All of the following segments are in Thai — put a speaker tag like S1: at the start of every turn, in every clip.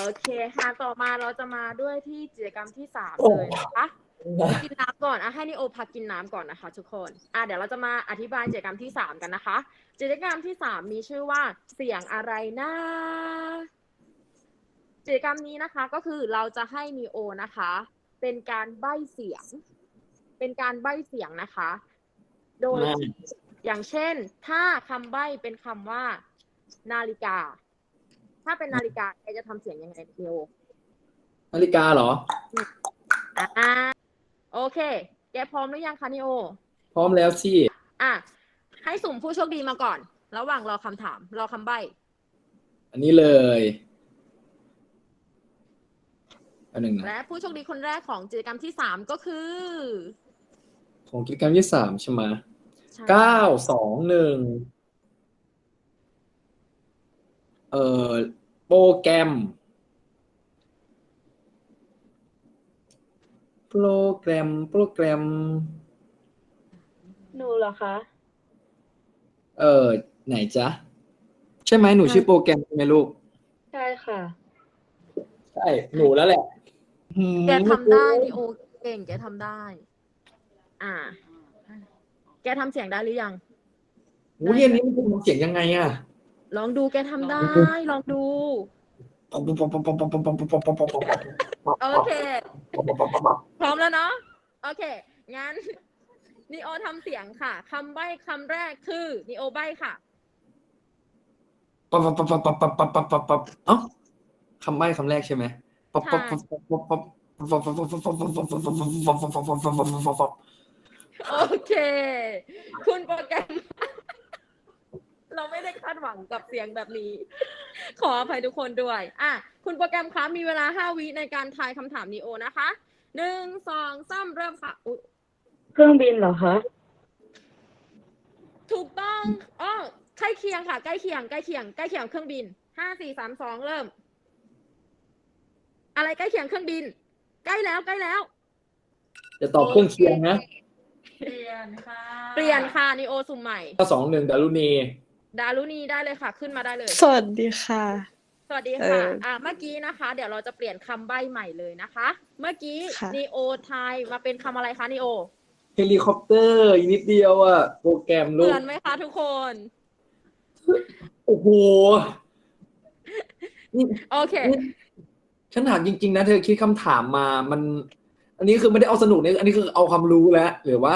S1: เคค่ะต่อมาเราจะมาด้วยที่กิจกรรมที่3
S2: โอ้
S1: เลยนะคะกินน้ำก่อนให้นิโอพักกินน้ำก่อนนะคะทุกคนเดี๋ยวเราจะมาอธิบายกิจกรรมที่3กันนะคะกิจกรรมที่3มีชื่อว่าเสียงอะไรนะกิจกรรมนี้นะคะก็คือเราจะให้นิโอนะคะเป็นการใบ้เสียงนะคะโดยอย่างเช่นถ้าคำใบ้เป็นคำว่านาฬิกาถ้าเป็นนาฬิกาแกจะทำเสียงยังไงนิโอ
S2: นาฬิกาเหรอ
S1: โอเคแกพร้อมหรือยังคะนิโอ
S2: พร้อมแล้วสิ
S1: ให้สุ่มผู้โชคดีมาก่อนระหว่างรอคำถามรอคำใบ้
S2: อันนี้เลยอันหนึ่งนะ
S1: และผู้โชคดีคนแรกของกิจกรรมที่3ก็คือ
S2: ของกิจกรรมที่3ใช่ไหม921โปรแกรม
S1: หนูเหรอคะ
S2: ไหนจ๊ะใช่ไหมหนูชื่อโปรแกรมใช่ไหมลูก
S1: ใช่ค่ะ
S2: ใช่หนูแล้วแหละ
S1: แกทำได้นิโอเก่งแกทำได้แกทำเสียงได้หรือยัง
S2: เรียนนี้มันเป็นเสียงยังไง
S1: ลองดูแกทำได้ลองดูโอเคพร้อมแล้วเนาะโอเคงั้นนิโอทำเสียงค่ะคำใบ้คำแรกคือนิโอใบ้ค่ะ
S2: คำใบ้คำแรกใช่ไหม
S1: โอเคคุณโปรแกรมเราไม่ได้คาดหวังกับเสียงแบบนี้ขออภัยทุกคนด้วยคุณโปรแกรมคะมีเวลา5 วิในการทายคำถามนิโอนะคะ1 2 3เริ่มค่ะ
S3: เครื่องบินเหรอคะ
S1: ถูกต้องใกล้เคียงค่ะใกล้เคียงเครื่องบิน5 4 3 2เริ่มอะไรใกล้เคียงเครื่องบินใกล้แล้ว
S2: จะตอบเครื่องเคียงนะ
S1: เปลี่ยนค่ะนิโอสุ่มใหม่
S2: 2-1ดารุณี
S1: ได้เลยค่ะขึ้นมาได้เลย
S3: สวัสดีค่ะ
S1: เมื่อกี้นะคะเดี๋ยวเราจะเปลี่ยนคำใบ้ใหม่เลยนะคะเมื่อกี้นิโอทายมาเป็นคำอะไรคะนิโอ
S2: เฮลิคอปเตอร์อีกนิดเดียวโปรแกรมลูก
S1: เหมือนไหมคะทุกคน
S2: โอ้โห
S1: โอเค
S2: ฉันถามจริงๆนะเธอคิดคำถามมามันอันนี้คือไม่ได้เอาสนุกเนี่ยอันนี้คือเอาความรู้แล้วหรือว่า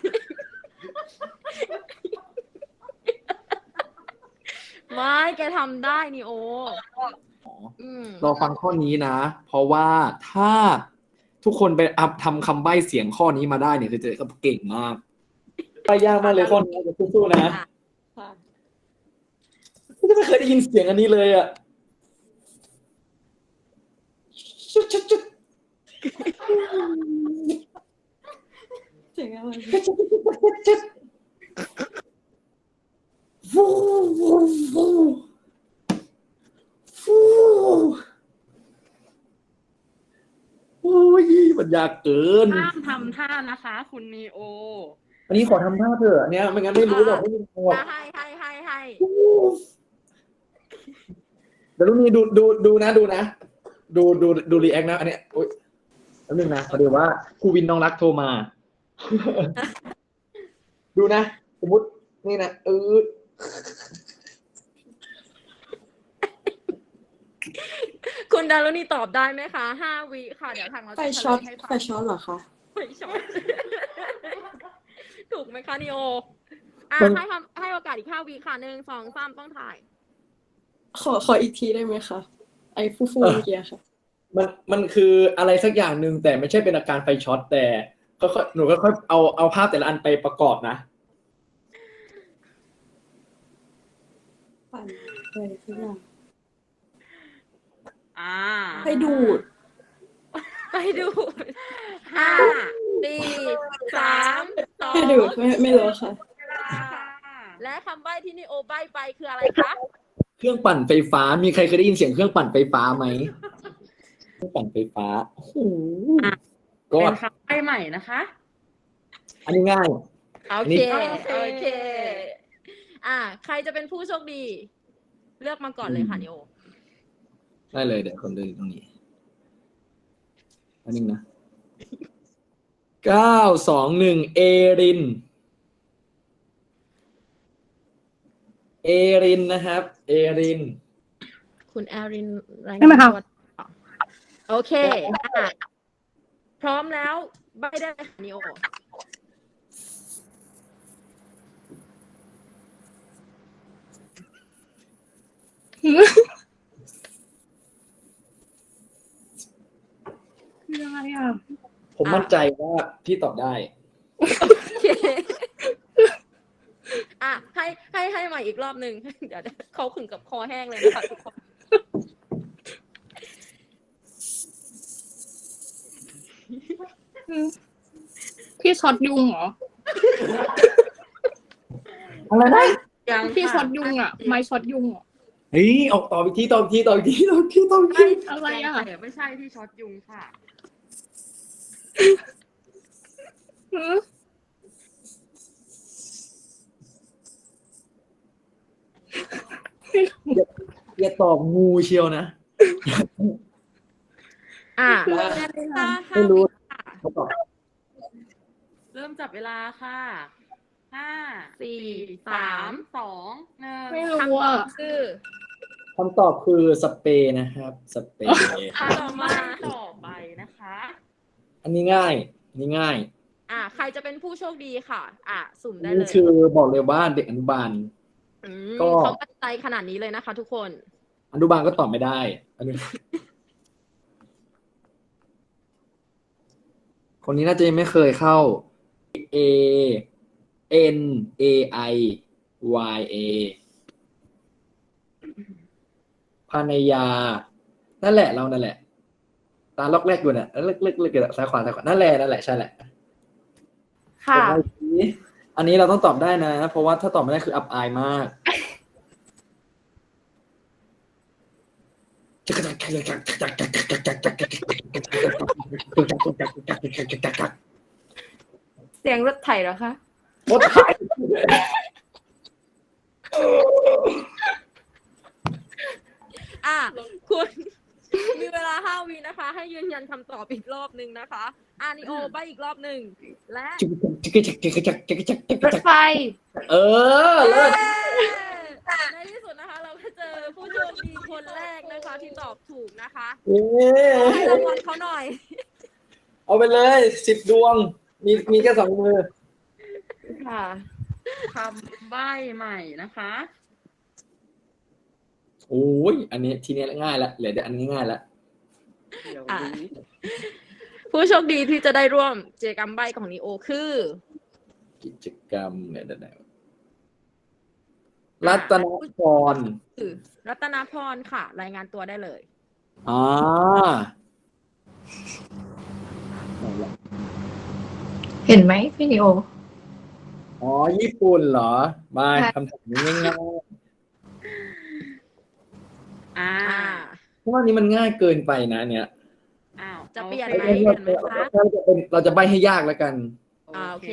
S1: ไม่แกทำได้นิโอ
S2: รอฟังข้อนี้นะเพราะว่าถ้าทุกคนไปทำคำใบ้เสียงข้อนี้มาได้เนี่ยคือจะเก่งมากใบ้ยากมากเลยข้อนี้จะสู้ๆนะไม่เคยได้ยินเสียงอันนี้เลย
S3: เสียงอะไร
S2: ฟูโอ้ยมันยากเกิน
S1: ห้ามทำท่านะคะคุณนีโอ
S2: อันนี้ขอทำท่าเถอะเนี่ยไม่งั้นไม่รู้หรอกไม่รู้หรอก
S1: ให้
S2: เดี๋ยวนี้ดูนะดูรีแอคนะอันนี้โอ๊ยแล้วนึงนะพอดีว่าครูวินน้องรักโทรมาดูนะสมมตินี่นะ
S1: คุณดารุณีตอบได้ไหมคะ5 วิค่ะเดี๋ยวทางเราจะ
S3: ไฟช็อตเหรอคะ
S1: ไฟช็อตถูกไหมคะนิโอให้โอกาสอีก5 วิค่ะ1 2 3ต้องถ่าย
S3: ขออีกทีได้ไหมคะไอ้ฟูเมื่อกี้ค่ะ
S2: มันคืออะไรสักอย่างหนึ่งแต่ไม่ใช่เป็นอาการไฟช็อตแต่หนูก็ค่อยเอาภาพแต่ละอันไปประกอบนะ
S3: ปั่นอะไรสักอย่าง
S1: ให้ดูด5 4 3 2
S3: ให้ดูดไม่รู้ค่ะ
S1: และคำใบ้ที่นิโอใบ้ไปคืออะไรคะ
S2: เครื่องปั่นไฟฟ้ามีใครเคยได้ยินเสียงเครื่องปั่นไฟฟ้าไหมเครื่องปั่นไฟฟ้าโอ้โห
S1: เป็นคำใบ้ใหม่นะคะ
S2: อันนี้ง่าย
S1: โอเคใครจะเป็นผู้โชคดีเลือกมาก่อนเลยค่ะนิโอ
S2: ได้เลยเดี๋ยวคนดูตรงนี้อันนึงนะ921เอรินนะครับเอริน
S1: คุณแอรินราย
S4: ได้ไหม
S1: งาน
S4: คะ
S1: ตัวโอเคอ่ะพร้อมแล้วใบได้เลยค่ะนิโอ
S4: คืออะไรอ่ะ
S2: ผมมั่นใจว่าพี่ตอบได้
S1: โอเคอ่ะให้ใหม่อีกรอบหนึ่งเดี๋ยวเขาขึงกับคอแห้งเลยนะคะทุกคน
S4: พี่ช็อตยุงเหรอ
S2: อะไรนะ
S1: ยัง
S4: พี่
S1: ค่ะ
S4: ช็อตยุงอ่ะ ไม้ช็อตยุงเหรอ
S2: เฮ้ยออกต่ออีกทีต่ออีกทีต่ออีกทีต่ออีกทีต่ออีกที
S4: อะไรอ่ะ
S1: แต่ไม่ใช่ที่ช็อตยุงค่ะ
S4: หือ
S2: อย่าตอบงูเชียวนะ
S1: อ่ะ
S2: ไม่รู้
S1: ค่ะ
S2: เขาตอบ
S1: เริ่มจับเวลาค่ะ5 4 3 2 1
S4: ไม่รู้อ่ะ
S1: คือ
S2: คำตอบคือสเปรย์นะครับสเปรย์
S1: ต่อมาต่อไปนะคะ
S2: อันนี้ง่ายอันนี้ง่าย
S1: ใครจะเป็นผู้โชคดีค่ะ สุ่มได้
S2: นี่
S1: เลย
S2: คือบอกเลยว่าเด็กอนุบาล ก็
S1: เขามั่นใจขนาดนี้เลยนะคะ ทุกคน
S2: อนุบาลก็ตอบไม่ได้คนนี้น่าจะยังไม่เคยเข้า A N A I Y A ภรรยานั่นแหละเรานั่นแหละ ตาล็อกแรกอยู่เนี่ยเลิกซ้ายขวานั่นแหละใช่แหละ
S1: ค่ะ
S2: อันนี้เราต้องตอบได้นะ เพราะว่าถ้าตอบไม่ได้คืออับอายมาก
S1: เสียงรถไถเหรอคะ
S2: รถไถ
S1: คุณ มีเวลา5 วินะคะ ให้ยืนยันคำตอบอีกรอบหนึ่งนะคะนิโอใบอีกรอบหนึ่งและ
S4: รถไฟ
S2: เออเลิศ
S1: ในที่สุดนะคะ เราก็เจอผู้โชคดีคนแรกนะคะ ที่ตอบถูกนะคะ
S2: เย้
S1: ให้รางวัลเขาหน่อย
S2: เอาไปเลย10 ดวง มีแค่2 มือ
S1: ค่ะคำใบ้ใหม่นะคะ
S2: โอ้ยอันนี้ทีนี้ง่ายละเหลือแต่อันนี้ง่ายละ
S1: ผู้โชคดีที่จะได้ร่วมกิจกรรมใบ้ของนิโอคือ
S2: กิจกรรมเนี่ยเดี๋ยวรัตนพร
S1: คือรัตนาพรค่ะ รายงานตัวได้เลย
S2: อ๋อ
S3: เห็นไหมพี่นิโอ
S2: อ๋อญี่ปุ่นเหรอมา
S3: ใช่
S2: คำถามนี้ง่าย ๆเพราะว่านี้มันง่ายเกินไปนะเนี่ย
S1: จะเปลี่ยน
S2: เรา
S1: ไหมเปลี่ยนไหมคะ
S2: เราจะใบให้ยากแล้วกัน
S1: โอเค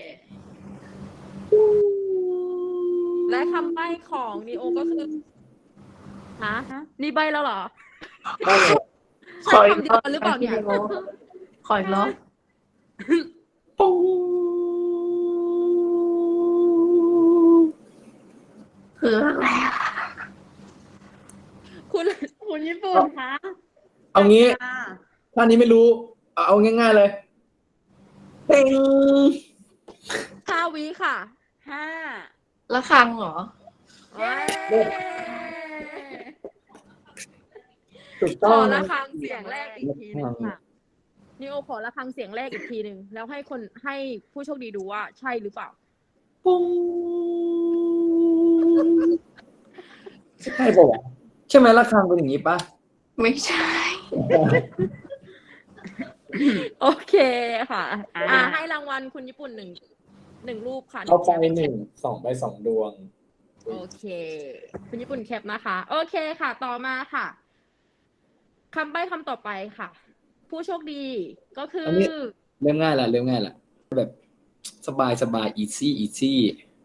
S1: และคำใบ้ของนีโอก็คือฮะนี่ใบ้แล้วเหรอ ใช่คำเดียวกันหรือเปล่าเนี่ย
S3: ขออีกรอบ
S2: ปุ้ง
S3: คืออะไรอะ
S1: คุณญี่ปุ่นคะ
S2: เอางี้ถ้านี้ไม่รู้ เอาง่ายๆเลยเต็ง
S1: 5 วิค่ะ5
S3: ละครังเหรอ
S1: เย้
S2: ถูก
S1: ข
S2: ต้อ
S1: อง ระฆังเสียงแรกอีกทีหนึง
S2: ระฆั
S1: ค่ะ
S2: ง
S1: นิโอขอระฆังเสียงแรกอีกทีหนึ่งแล้วให้ผู้โชคดีดูว่าใช่หรือเปล่า
S2: ปุ้งใช่ป่ะวะใช่ไหมระฆังเป็นอย่างนี้ปะ
S3: ไม่ใช่
S1: โอเคค่ะ ให้รางวัลคุณญี่ปุ่นหนึ่งรูปค่ะ
S2: เอาไป2 ใบ 2 ดวง
S1: โอเค คุณญี่ปุ่นแคปนะคะ โอเคค่ะ ต่อมาค่ะคำใบ้คำต่อไปค่ะ ผู้โชคดีก็คือ
S2: อันนี้ เริ่มง่ายละแบบสบายอีซี่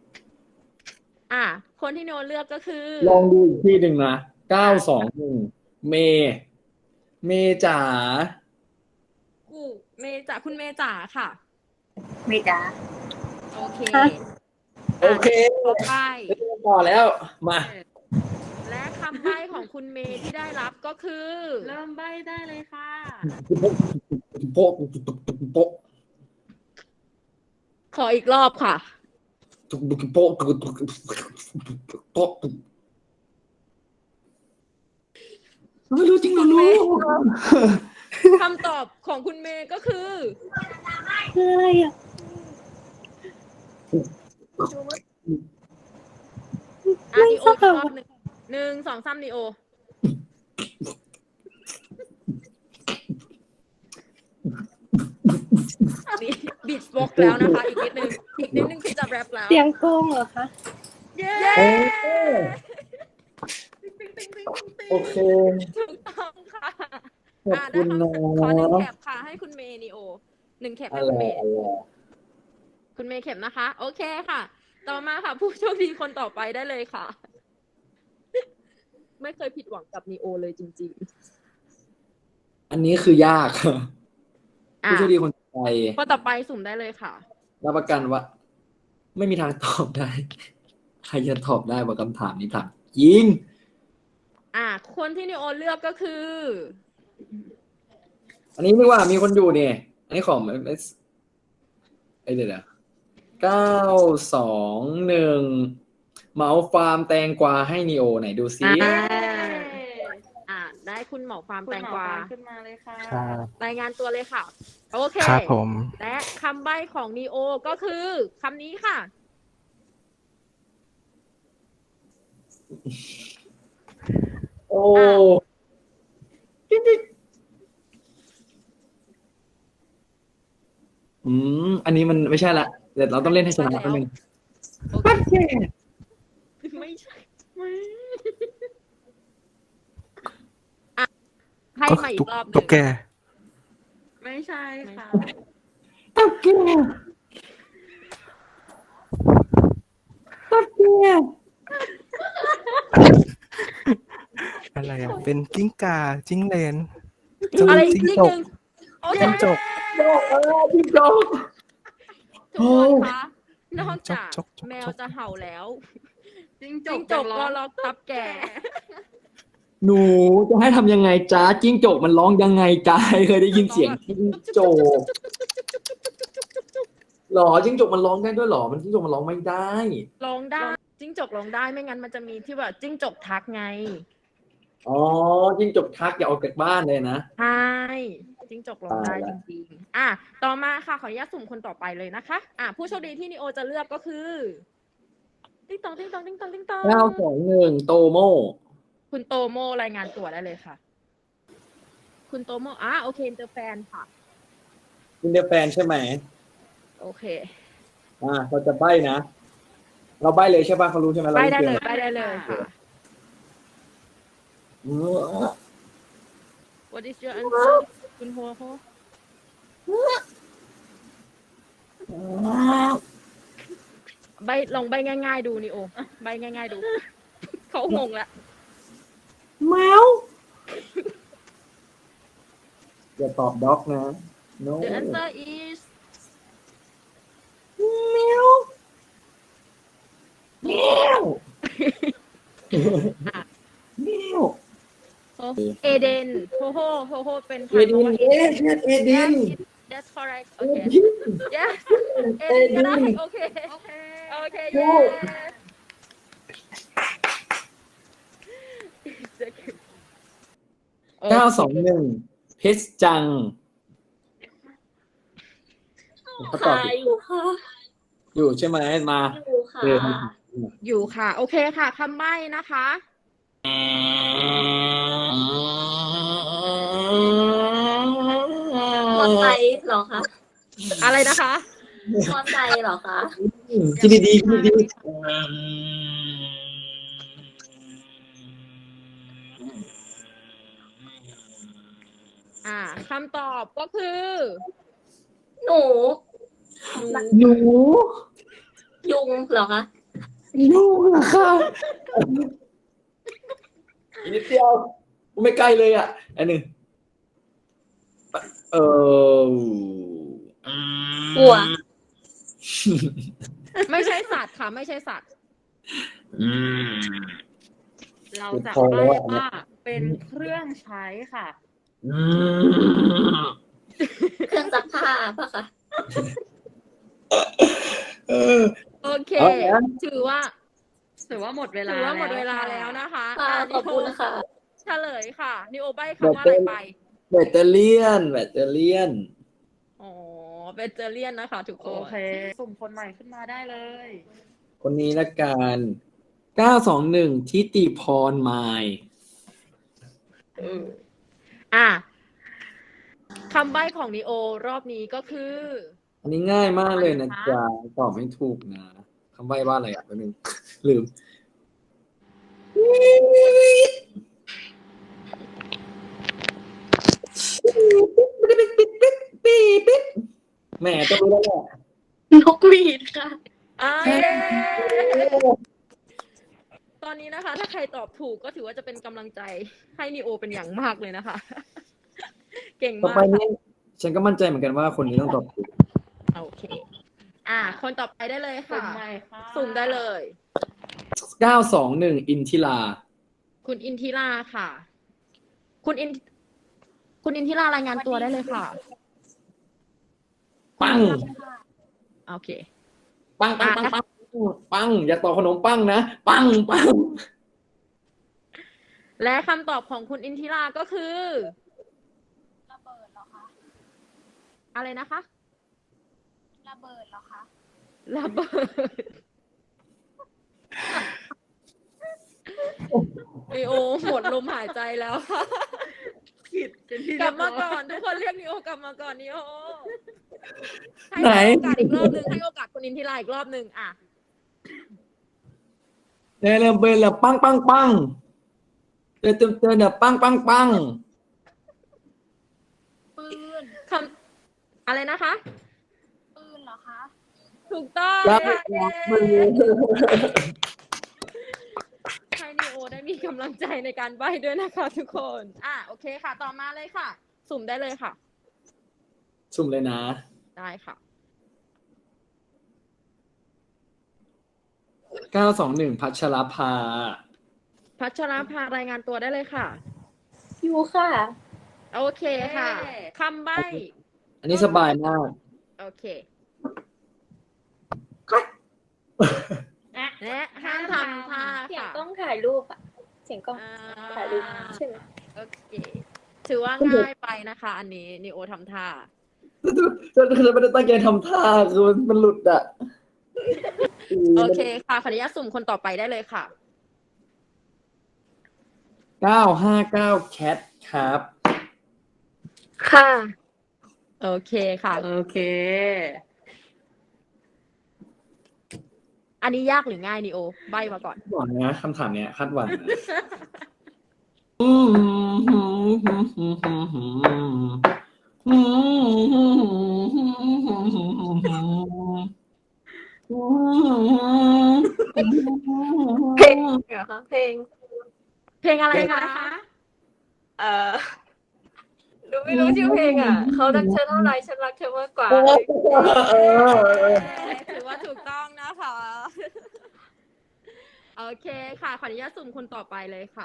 S1: คนที่โนเลือกก็คือ
S2: ลองดูอีกที่หนึ่งนะ921 เมย์เมย์จ๋า
S1: กูเมย์จ๋าคุณเมย์จ๋าค่ะ
S5: ไม่จ้า
S1: โอเค
S2: โอเค
S1: ต่อไป
S2: ต่อแล้วมา
S1: และคำใบ้ของคุณเมย์ที่ได้รับก็คือ
S5: เริ่มใบได้เลยค่ะ
S2: โป๊ะโป๊ะ
S1: ขออีกรอบค่ะ
S2: โป๊ะโป๊ะไม่รู้จริงเหรอลูก
S1: คำตอบของคุณเมย์ก็คือ
S3: คืออะไรอ่ะ
S1: นีโออีกรอบหนึ่งสองสามนีโอนี่บีทบ็อกแล้วนะคะ อีกนิดนึงคือจะแรปแล้ว
S3: เสียงโกงเหรอคะ
S1: เย้
S2: โอเค
S1: ถูกต้องค่ะ
S2: ขอบคุณนะ
S1: ขอหนึ่งแคปค่ะให้คุณเมย์นีโอหนึ่งแคปให้คุณเมย์ คุณเมย์เข็มนะคะ โอเคค่ะ ต่อมาค่ะ ผู้โชคดีคนต่อไปได้เลยค่ะ ไม่เคยผิดหวังกับนีโอเลยจริง
S2: อันนี้คือยาก
S1: ๆ
S2: ผู้โชคดีคนต่อไป
S1: คนต่อไปสุ่มได้เลยค่ะ
S2: รับประกันว่า ไม่มีทางตอบได้ ใครจะตอบได้ว่าคำถามนี้ถามยิง
S1: คนที่นีโอเลือกก็คือ
S2: อันนี้ไม่ว่ามีคนอยู่เนี่ยอันนี้ของเดี๋ยว921เหมาฟาร์มแตงกวาให้นีโอไหนดูซิ
S1: ได้คุณหมอฟาร์ม
S5: คุณ
S1: แตง
S5: หมอก
S1: วา
S5: ตามขึ้นมาเลยค่ะ
S6: ครับ
S1: รายงานตัวเลยค่ะ โอเค
S6: ครับผม
S1: และคำใบ้ของนีโอก็คือคำนี้ค่ะ
S2: โอ้อันนี้มันไม่ใช่ละเดี๋ยวเราต้องเล่นให้ชนะแป๊บนึง
S1: โอเคไม่ใช่ให้มาอีกรอบหนึ่
S6: ตุ๊
S1: ง
S6: กแก
S5: ไม่ใช่ค่ะ
S2: ตับแกตับแก
S6: อะไรอ่ะ เป็นกิ้งก่าจิ้งเหลน
S1: อะไรอีก
S6: จิ้ง
S1: นิด
S6: จก
S1: นึงโอเค
S6: จิ้งจก
S2: พี่โจก
S1: ทุกคนคะนอกจาก
S6: จก
S1: แมวจะเห่าแล้ว
S5: จิ้งจ
S1: จิ้
S5: ก
S1: งจกก็ล็อกตับแก่
S2: หนูจะให้ทำยังไงจ้าจิ้งจกมันร้องยังไงจ้าเคยได้ยินเสียงจิ้งจกหรอจิ้งจกมันร้องได้ด้วยหรอมันจิ้งจกมันร้องไม่ได้
S1: ร้องได้จิ้งจกร้องได้ไม่งั้นมันจะมีที่แบบจิ้งจกทักไง
S2: อ๋อจิ้งจกทักอย่าออกจากบ้านเลยนะ
S1: ใช่จิ้งจกร้องได้
S2: ตาย
S1: จ
S2: ละ
S1: ริงๆต่อมาค่ะขออนุญาตสุ่มคนต่อไปเลยนะคะผู้โชคดีที่นิโอจะเลือกก็คือติ๊งตองติ๊งตองติ๊งตองติ๊งตอง
S2: 921โตโม
S1: คุณโตโมรายงานตัวได้เลยค่ะ คุณโตโมโอเคอินเตอร์แฟนค่ะ
S2: คุณเดฟแฟนใช่ไหม
S1: โอเค
S2: เราจะใบ้นะ เราใบ้เลยใช่ป่ะเขารู้ใช่ไหม
S1: ไป
S2: เรา
S1: ได้เลย
S2: กม
S1: ไปได้เลยค่ะ What is your answer คุณโฮโฮใบลองใบง่ายๆดูนิโอใบง่ายๆดู เขางงแล้ว
S2: แมวอย่าตอบด็อกนะ no
S1: The answer is
S2: แมวแมวแมว
S1: เอเดนโฮโฮโฮโฮเป็น
S2: เอดินเอดิน
S1: That's correct
S2: เอ
S1: okay
S2: ดิน
S1: yes เอเดนก็ได้โอเคโอเค
S2: 921เพชรจังเขาตอบ
S3: อยู่ค่ะ
S2: อยู่ใช่ไหมมา
S3: อยู่ค่ะ
S1: อยู่ค่ะ โอเคค่ะคำใบ้นะคะ
S3: มอไซค์เหรอคะ
S1: อะไรนะคะ
S3: มอไซค์เหรอคะ
S2: คิดดีๆคิดดี
S1: คำตอบก็คือ
S3: หนู
S2: ๆหนู
S3: ยุงเหรอคะ
S2: หนูเหรอคะนิดเดียวไม่ใกล้เลยอ่ะอันหนึ่งเอออืม
S3: วัว
S1: ไม่ใช่สัตว์ค่ะ ไม่ใช่สัตว์
S2: อืม
S5: เราจะ
S2: พอแล้
S5: ใบ้
S2: วอะ
S5: ว่าเป็นเครื่องใช้ค่ะ
S2: อืม
S3: เครื่องซักผ้าป่ะคะ
S2: เออ
S1: โอเค
S2: เอาแล้ว
S1: ถือว่า
S5: ถือว่าหมดเวลา
S1: ถือว่าหมด
S5: แล้
S1: เวลาแล้วนะคะ
S3: ค่ะ
S1: ะ
S3: ขอบคุณค่ะ
S1: เฉลยค่ะนิโอใบ้คำว่าอะไรไป
S2: แบตเตอรี่แบตเตอรี่
S1: อ๋อเบเจอเลียนนะคะ ทุกค
S5: โอน เค สุ่มคนใหม่ขึ้นมาได้เลย
S2: คนนี้ละกัน921ทิติพรไมล์
S1: อ่ะคำใบ้ของนิโอรอบนี้ก็คือ
S2: อันนี้ง่ายมากเลยนะ
S1: อะไรคะ
S2: จ๊ะตอบไม่ถูกนะคำใบ้ว่าอะไรอ่ะแป๊บนึงลืมแหมต้องรู้แล้วแหละ
S3: นกหวีดค่ะ
S1: เย้ตอนนี้นะคะ ถ้าใครตอบถูกก็ถือว่าจะเป็นกำลังใจให้นิโอเป็นอย่างมากเลยนะคะ เก่ง
S2: ต่อ
S1: มาก
S2: ไป
S1: ค่ะ
S2: นี้ฉันก็มั่นใจเหมือนกันว่าคนนี้ต้องตอบถูก
S1: โอเค คนต่อไปได้เลย
S5: สุ่
S1: ค่ะ
S5: มใหม่ค่ะ
S1: สุ่มได้เลย
S2: 921อินทิรา
S1: คุณอินทิราค่ะ คุณอินทิรารายงานตัวได้เลยค่ะ
S2: ปัง
S1: โอเค
S2: ปังปังปังปังปังอย่าต่อขนมปังนะปังปัง
S1: และคำตอบของคุณอินทิราก็คือ
S7: ระเบิดเหรอคะ
S1: อะไรนะคะ
S7: ระเบิดเหรอคะ
S1: ระเบิดนิโอหมดลมหายใจแล้วค่ะ
S5: ผิดเป็นที่
S1: กลับมา
S5: เรียบร้ย
S1: ก่อนทุกคนเรียกนิโอกลับมาก่อนนิโอให้
S2: ไหน
S1: โอกาสอีกรอบหนึ่งให้โอกาสคุณอินทิราอีกรอบหนึ่งอ่ะ
S2: เริ่มเป็นละปังปังปังเติมเนี่ยปังปังปัง
S7: ปืน
S1: คำอะไรนะคะ
S7: ปืนเหรอคะ
S1: ถูกต้อง
S2: รับ
S1: ค่ะ
S2: มือ
S1: ให้นิโอได้มีกำลังใจในการใบ้ด้วยนะคะทุกคน โอเคค่ะ ต่อมาเลยค่ะ สุ่มได้เลยค่ะ
S2: สุ่มเลยนะ
S1: ได้ค่ะ
S2: 921พัชรภา
S1: พัชรภารายงานตัวได้เลยค่ะ
S3: อยู่ค่ะ
S1: โอเคค่ะ คำใบ้
S2: อันนี้สบายมาก
S1: โอเค และห้ามทำท่า
S3: เสียง
S1: ค่ะ
S3: กล้องถ่ายรูปอะเสียงกล้อง
S1: อ่
S3: ถ่ายรูปใช่ไหม
S1: โอเค ถือว่าง่ายไปนะคะ อันนี้นิโอทำท่า
S2: ฉันไม่ได้ตั้งใจทำท่าคือมันหลุดอ่ะ
S1: โอเคค่ะ ขออนุญาตสุ่มคนต่อไปได้เลยค่ะ
S2: 959แคทครับ
S3: ค่ะ
S1: โอเคค่ะ
S5: โอเค
S1: อันนี้ยากหรือง่ายนิโอ ใบมาก่อน
S2: หวังนะคำถามเนี้ยคาดหวังนะ
S3: เพลงเหรอคะเพลง
S1: เพลงอะไร
S5: เพลง
S1: คะ
S5: อะไรคะ
S3: หนูไม่รู้ชื่อเพลงอ่ะ เขารักเธอเท่าไรฉันรักเธอมากกว่า
S1: ถือว่าถูกต้องนะคะ โอเคค่ะ ขออนุญาตสุ่มคนต่อไปเลยค่ะ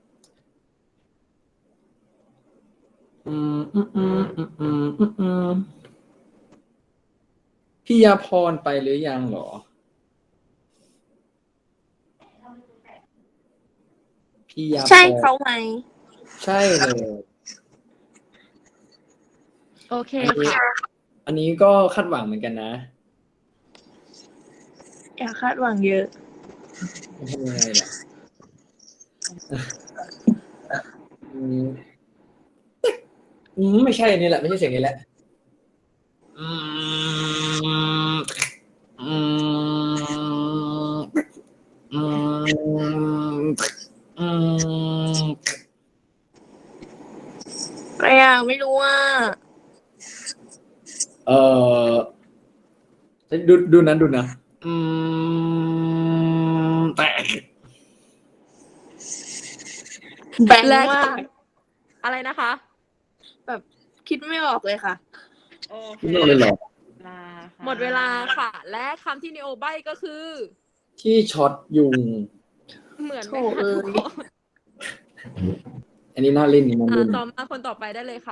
S2: พี่ยาพรไปหรือยังเหรอ พี่ยาพร
S3: ใช่เขาไหม
S2: ใช่เลย
S1: โอเคค่ะ
S2: อันนี้ก็คาดหวังเหมือนกันนะ
S3: อย่าคาดหวังเยอะ
S2: ทำยังไงล่ะไม่ใช่อันนี้แหละ ไม่ใช่เสียงนี้แหละ
S3: อะไรอ่ะไม่รู้ว่า
S2: เออดูนะแต่
S4: แบงค์มาก
S1: อะไรนะคะ
S4: แบบคิดไม่ออกเลยค่ะ
S5: โอเค
S2: ไม่เลยเหรอ
S5: เวลาค่ะ
S1: หมดเวลาค่ะ และคำที่นิโอใบ้ก็คือ
S2: ที่ช็อตยุง
S1: เหมือนไหม
S4: โถ่
S1: คะ
S4: เอ้ย
S1: ทุกคน
S2: อันนี้น่าเล่นนี่น่าเล่น
S1: ต่อมาคนต่อไปได้เลยค่ะ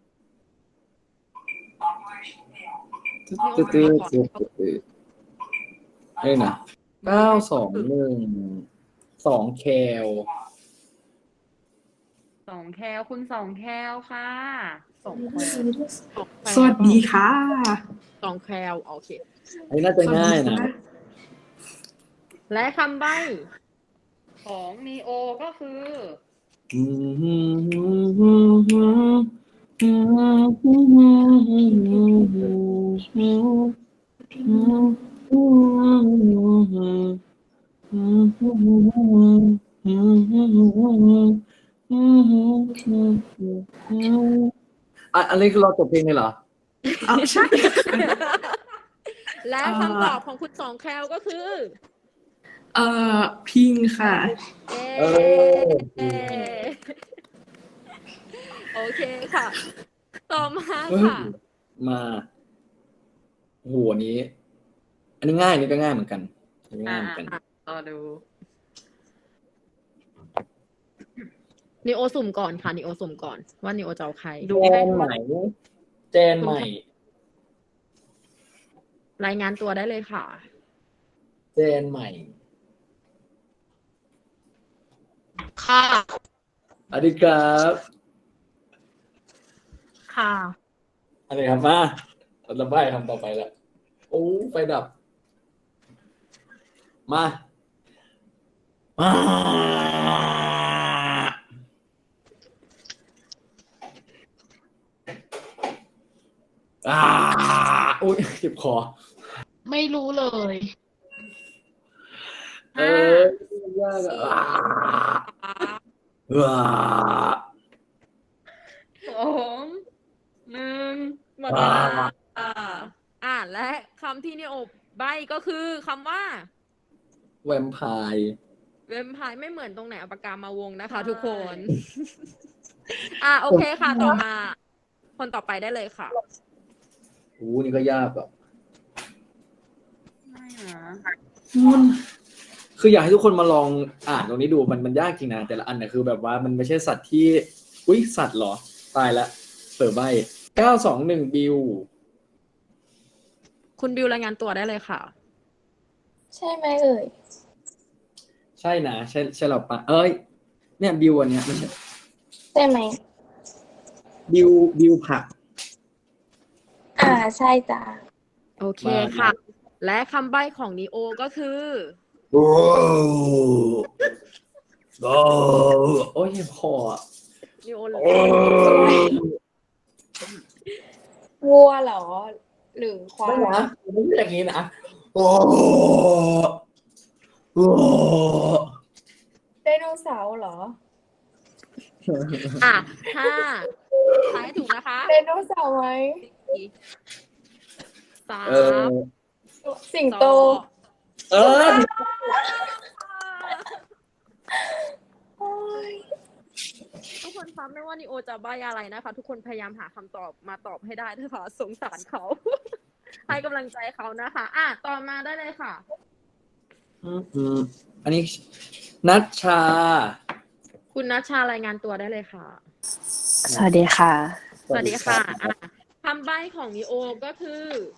S2: เอ้ยนะ921 2 แคล
S5: 2 แคลคุณ2 แคลค่ะส่งคน
S3: สวัสดีค่ะ
S1: 2 แคลโอเค
S2: อันนี้น่าจะง่ายนะ
S1: และคำใบ้
S5: ของนีโอก็คือ
S2: อันนี้คือเราจบเพลงเลยเหรอ
S3: อ๋อใช่
S1: และคำตอบของคุณ2 แคลก็คือ
S3: พิงค่ะ
S2: เออ
S1: โอเคค่ะ ต่อมา
S2: เฮ้ย
S1: ค่ะ
S2: มาโอ้โหอันนี้ อันนี้ง่ายอันนี่ก็ง่ายเหมือนกันอันนี้ง่ายเหมือนกัน
S5: รอดู
S1: นิโอสุ่มก่อนค่ะนิโอสุ่มก่อน ว่านิโอจะเอาใคร
S5: ดู
S2: แจ
S5: ให้
S2: นใหม่แจนใหม่
S1: รายงานตัวได้เลยค่ะ
S2: แจนใหม่
S4: ค่ะ
S2: สวัสดีครับ
S4: ค่ะ
S2: อะไรครับมาเราจะใบ้คำต่อไปแล้วโอ้ไฟดับ มาอ่าอุ้ยเจ็บคอ
S4: ไม่รู้เลย
S2: เออยากอ่ะว้า
S5: 2 1
S1: หมดเวลาและคำที่นิโอใบก็คือคำว่า
S2: แวมไพร์
S1: เวมไพร์ไม่เหมือนตรงไหนเอาปากกามาวงนะคะ ทุกคน โอเคค่ะ ต่อมา คนต่อไปได้เลยค่ะ
S2: โอ้นี่ก็ยากอ่ะ
S5: ไม่นะ
S2: คืออยากให้ทุกคนมาลองอ่านตรงนี้ดูมันยากจริงนะแต่ละอันเนี่ยคือแบบว่ามันไม่ใช่สัตว์ที่อุ๊ยสัตว์เหรอตายละเปิดใบ921บิว
S1: คุณบิวรายงานตัวได้เลยค่ะ
S7: ใช่ไหมเอ่ย
S2: ใช่นะใช่เราปะเอ้ยเนี่ยบิวอันเนี้ยไม่ใช่
S7: ใช่ไหม
S2: บิวผัก
S7: ใช่จ้ะ
S1: โอเคค่ะ และคำใบ้ของนิโอก็คือ
S2: โอ้โอ้ยพออ่ะ
S1: นิโอเลย
S7: วัวเหรอ หรือควา
S2: ไม่
S7: ย
S2: นะไม่ใช่อย่างนี้นะโอ้โอ้
S7: ไดโนเสาร์เหรอ
S1: ห้าทายถูกนะคะ
S7: ไดโนเสาร์ไหม
S1: สา
S2: เอ
S1: ม
S2: อ
S7: สิงโต
S2: เออ
S1: ทุกคนฟังไม่ว่านิโอจะใบ้อะไรนะคะ ทุกคนพยายามหาคำตอบมาตอบให้ได้นะคะสงสารเขา ให้กำลังใจเขานะคะต่อมาได้เลยค่ะ
S2: อันนี้นัชชา
S1: คุณนัชชารายงานตัวได้เลยค่ะ
S3: สวัสดีค่ะ
S1: สวัสดีค่ะคำใบ้ของนิโอก็คือ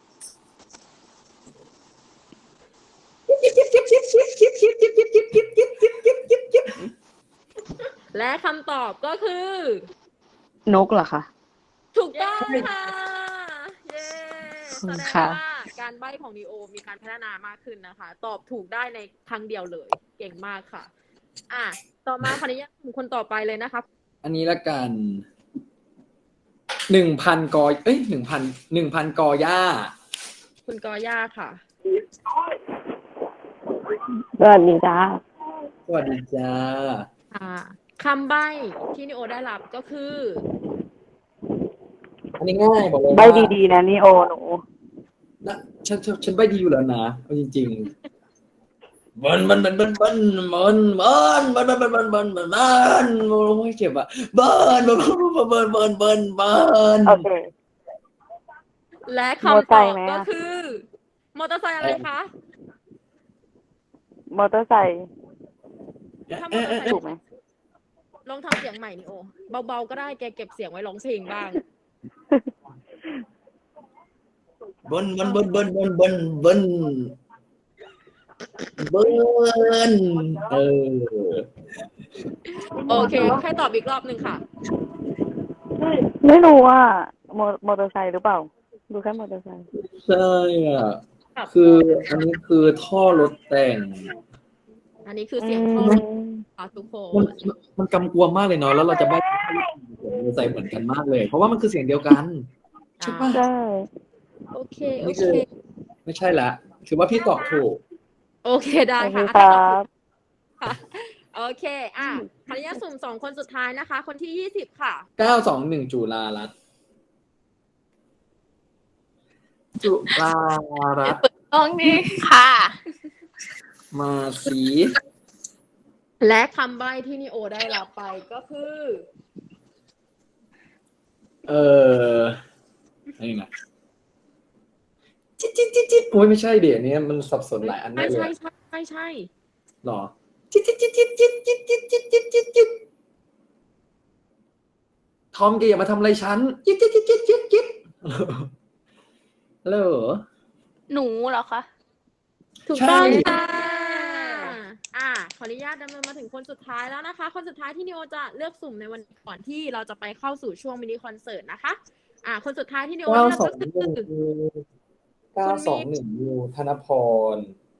S1: และคำตอบก็คือ
S3: นกเหรอคะ
S1: ถูกต้องค่ะ เย้
S3: ขอบคุณ
S1: แสดง
S3: ค่ะ
S1: ว่าการใบ้ของนิโอมีการพัฒนามากขึ้นนะคะ ตอบถูกได้ในครั้งเดียวเลย เก่งมากค่ะ ต่อมาขออนุญาตคนต่อไปเลยนะคะ
S2: อันนี้ละกัน1,000 กอ1,000 กอย่า
S1: คุณกอย่าค่ะ
S3: สวัสดีจ้า
S2: สวัสดีจ้า
S1: คำใบ้ที่นิโอได้รับก็คือ
S2: อันนี้ง่ายบอกเลย
S3: ใบดีๆนะนี่โอหนู
S2: นะฉันใบดีอยู่แล้วนะเอาจริงๆโอ้ยเจ็บอ่ะเบิร์น
S8: โอเค
S1: และ
S8: มอ
S1: คำ
S8: ไซ
S1: ตอ
S8: ค์
S1: บ
S8: ไหม
S1: ก็
S8: อะ
S1: คือ มอเตอร์ไซค์อะไรคะ
S8: มอเตอร์ไซค์
S1: ถ้ามอเตอร์ไซค์
S8: ถูกไหม
S1: ลองทำเสียงใหม่นี่โอเบาๆก็ได้แกเก็บเสียงไว้ร้องเพลงบ้าง
S2: เบิ้ลเออ
S1: โอเคให้ตอบอีกรอบหนึ่งค่ะ
S8: ไม่รู้ว่ามอเตอร์ไซค์หรือเปล่า ดูแค่มอเตอร์ไซค์
S2: ใช่อ่ะคืออันนี้คือท่อรถแต่ง
S1: อันนี้คือเสียงท่อรถค่ะทุกค
S2: มัน
S1: น
S2: มันกำกวมมากเลยเนาะแล้วเราจะไม่ใส่เหมือนกันมากเลย เพราะว่ามันคือเสียงเดียวกันใช่ปะ
S8: ใช่
S1: โอเค
S2: นี่คือไม่ใช่ละถือว่าพี่ตอบถูก
S1: โอเคได้
S8: โอเค
S1: ค่ะ
S8: ค
S1: ถ้า
S8: รั
S1: ตอบถู
S8: บ
S1: กค่ะโอเคขออนุญาตสุ่ม2 คนสุดท้ายนะคะ คนที่20ค่ะ
S2: 921จุฬารัตน์จุฬารัตน์
S4: ตรงนี้ค่ะ
S2: มาสี
S1: และคำใบ้ที่นิโอได้รับไปก็คือ
S2: นี่นะจิ๊ดโอ้ยไม่ใช่เดี๋ยวนี้มันสับสนหลายอันได้เลย
S1: ใช่
S2: หรอจิ๊ดทอมแกอย่ามาทำอะไรฉันจิ๊ดฮัลโหล
S4: หนูเหรอคะ
S1: ถูก
S2: ใช่
S1: ต้องค่ะขออนุญาตดำเนินมาถึงคนสุดท้ายแล้วนะคะ คนสุดท้ายที่นิโอจะเลือกสุ่มในวันก่อนที่เราจะไปเข้าสู่ช่วงมินิคอนเสิร์ตนะคะ คนสุดท้ายที่นิโอเลือกก็คือ
S2: 921ยูธนพร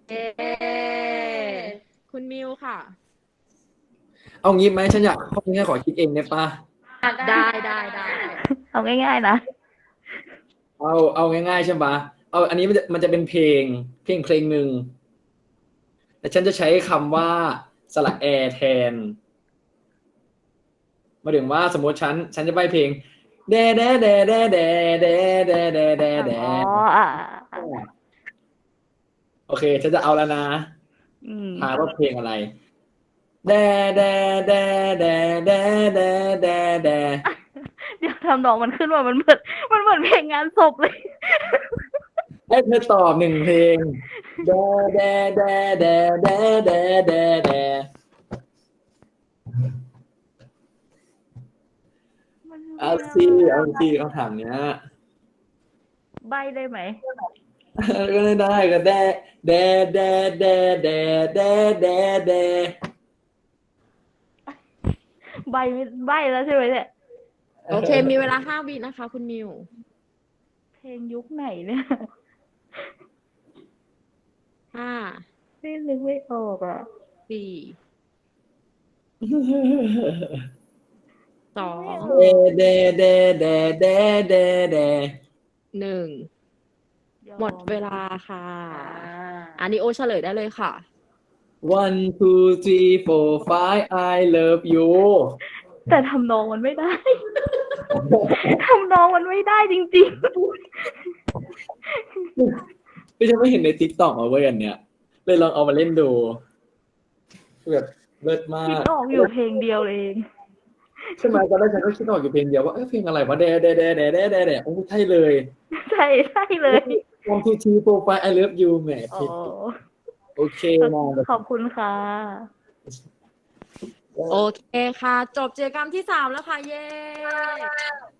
S1: คุณมิวค่ะ
S2: เอางี้ไหมฉันอยากข้อนี้ขอคิดเองได้ปะ
S1: ได้
S8: เอาง่ายๆนะ
S2: เอาง่ายๆใช่ปะเอาอันนี้มันจะเป็นเพลงหนึ่งแต่ฉันจะใช้คำว่าสระแอแทนหมายถึงว่าสมมติฉันจะใบ้เพลงแดแดแดแดแดแดแดแดแดแด
S8: อ๋อ
S2: โอเคฉันจะเอาแล้วนะถามว่าเพลงอะไรแดแดแดแดแดแดแดแด
S8: เดี๋ยวทำดอกมันขึ้นว่ามันเหมือนเพลงงานศพเลย
S2: ให้เธอตอบ1 เพลงแดแดแดแดแดแดแดแดเอาสิคำถามเนี้ย
S8: ใบได้ไหม
S2: ก็ได้ก็แดแดแดแดแดแดแดแด
S8: ใบแล้วใช่ไหมเนี่ย
S1: โอเค มีเวลา5 วินะคะ คุณมิว
S8: เพลงยุคไหนเนี่ย
S1: 5
S8: นี่นึกไม่ออกอ่ะ
S1: 4 2
S2: แดแดแดแดแดแด
S1: 1 หมดเวลาค่ะ อันนี้โอเฉลยได้เลยค่ะ
S2: 1 2 3 4 5 I love you
S8: แต่ทำนองมันไม่ได้ ทำนองมันไม่ได้จริง
S2: ไม่ใช่ไม่เห็นใน TikTok มาเว้ยอันเนี้ยเลยลองเอามาเล่นดูแบบเลิศมา
S8: ๆคิด
S2: ก
S8: ออกอยู่เพลงเดียวเอง
S2: ใช่ไหมตอนแรกฉันก็คิดออกอยู่เพลงเดียวว่าเพลงอะไรวะแดแดแดแดแดแดแดโอ้ใช่เลย
S8: ใช่เลย
S2: 1 2 3 4 5 I love you แหม
S8: อ๋อ
S2: ผิดโอเคนะ
S8: ขอบคุณค่ะ
S1: โอเคค่ะ จบกิจกรรมที่ 3 แล้วค่ะ เย้